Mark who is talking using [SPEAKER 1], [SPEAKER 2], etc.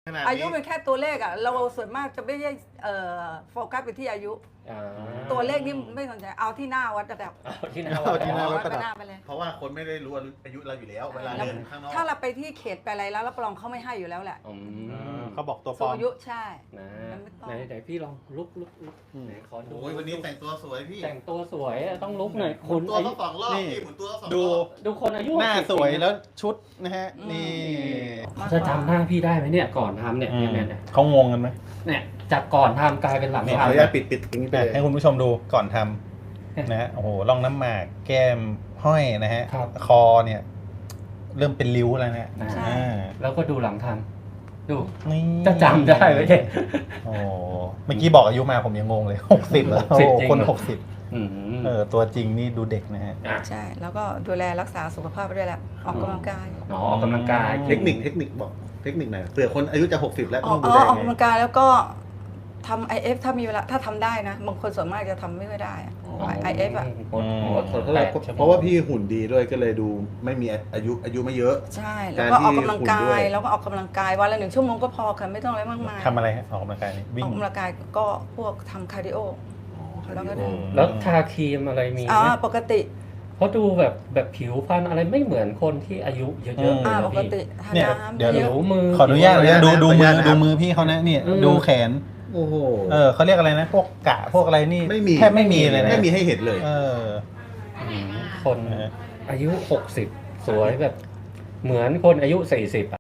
[SPEAKER 1] อายุเป็นแค่ตัวเลขอ่ะเราส่วนมากจะไม่ได้โฟกัสไปที่อายุตัวเลขนี่ไม่สนใจเอาที่หน้าวัดระดับ
[SPEAKER 2] เอาที่หน้า
[SPEAKER 3] เอาที่หน้า
[SPEAKER 1] วัดไปหน้าไปเลย
[SPEAKER 4] เพราะว่าคนไม่ได้รู้อายุเราอยู่แล้วเวลาเดินข้างนอก
[SPEAKER 1] ถ้าเราไปที่เขตไปอะไรแล้วรับรองเขาไม่ให้อยู่แล้วแหละ
[SPEAKER 3] เขาบอกตัวปล
[SPEAKER 1] สู
[SPEAKER 3] อง ม
[SPEAKER 1] อายุใช่
[SPEAKER 2] นะ
[SPEAKER 1] ไม่ต้อง
[SPEAKER 2] ไหนพี่ลองลุกไหนขอดู
[SPEAKER 4] โอ้ยวันนี้แต่งตัวสวยพี่
[SPEAKER 2] แต่งตัวสวยต้องลุกหน่อย
[SPEAKER 4] หมุ
[SPEAKER 2] คุ
[SPEAKER 4] น
[SPEAKER 2] ณ
[SPEAKER 4] ตัว
[SPEAKER 2] อายุ
[SPEAKER 4] ก็สองรอบ
[SPEAKER 3] นี่
[SPEAKER 4] พี่หมุนตัวก็สอง
[SPEAKER 3] ดู
[SPEAKER 4] รอบ
[SPEAKER 2] ดูคนอายุ
[SPEAKER 3] หน้า
[SPEAKER 2] 60
[SPEAKER 3] สวยแล้วชุดนะฮะ นี่
[SPEAKER 2] จะจำหน้าพี่ได้ไหมเนี่ยก่อนทำเนี่ยเนี่ย
[SPEAKER 3] เขางงกันไหม
[SPEAKER 2] เนี่ยจากก่อนทำกลายเป็นหลัง
[SPEAKER 4] ขอ
[SPEAKER 2] ทำ
[SPEAKER 4] อนุญาตปิดตรงนี้ไปเลย
[SPEAKER 3] ให้คุณผู้ชมดูก่อนทำนะฮะโอ้โหร่องน้ำหมากแก้มห้อยนะฮะคอเนี่ย เริ่มเป็นริ้วแล้วนะ
[SPEAKER 1] ใช่
[SPEAKER 2] แล้วก็ดูหลังทำดู
[SPEAKER 3] นี่
[SPEAKER 2] จะจำได้ไหมเนี่ย
[SPEAKER 3] โอ้เมื่อกี้บอกอายุมาผมยังงงเลย60แล้วโอ้
[SPEAKER 2] จริงเหรอ
[SPEAKER 3] คน60ตัวจริงนี่ดูเด็กนะฮะ
[SPEAKER 1] ใช่แล้วก็ดูแลรักษาสุขภาพไปด้วยแหละออกกำลังกาย
[SPEAKER 2] อ๋อออกกำลังกาย
[SPEAKER 4] เทคนิคบอกเทคนิคหน่อยเผื่อคนอายุจะ60แล้ว
[SPEAKER 1] อ
[SPEAKER 4] ต้
[SPEAKER 1] อ
[SPEAKER 4] อง
[SPEAKER 1] ก
[SPEAKER 4] ดูแล
[SPEAKER 1] ออก
[SPEAKER 4] ไง
[SPEAKER 1] กำลังกายแล้วก็ทำ IF ถ้ามีเวลาถ้าทำได้นะบางคนส่วนมากจะทำไม่ค่อยได้อะ IF อ่ะ
[SPEAKER 4] เพราะว่าพี่หุ่นดีด้วยก็เลยดูไม่มีอายุไม่เยอะ
[SPEAKER 1] ใช่แล้วก็ออกกำลังกา
[SPEAKER 4] การที่หุ่นด้วย
[SPEAKER 1] ยแล้วก็ออกกำลังกายวันละ1 ชั่วโมงก็พอค่ะไม่ต้องอะไรมากมาย
[SPEAKER 3] ทำอะไรฮะออกกำลังกายนี่วิ่
[SPEAKER 1] อง อกกำลังกายก็พวกทำคาร์ดิโอแล้วก็เดิน
[SPEAKER 2] แล้วทาครีมอะไรมีไหม
[SPEAKER 1] ปกติ
[SPEAKER 2] เพราะดูแบบผิวพรรณอะไรไม่เหมือนคนที่อายุเยอะๆเลยนะ
[SPEAKER 1] ปก
[SPEAKER 2] พี่
[SPEAKER 1] ติทา
[SPEAKER 3] เนี่ย
[SPEAKER 1] น้ำ
[SPEAKER 3] เดี๋ยว
[SPEAKER 2] ผิวมือ
[SPEAKER 3] ขออนุญาตเลยนะดู
[SPEAKER 4] ขออนุญาตนะครับ
[SPEAKER 3] มือพี่เขานะเนี่ย
[SPEAKER 2] อืม
[SPEAKER 3] ดูแขน
[SPEAKER 4] โอ้โห
[SPEAKER 3] เขาเรียกอะไรนะ พวกกะพวกอะไรนี่
[SPEAKER 4] ไม่มี
[SPEAKER 3] แทบไม่มีเลยนะ
[SPEAKER 4] ไม่มีให้เห็นเลย
[SPEAKER 2] คนอายุ60สวยแบบเหมือนคนอายุ40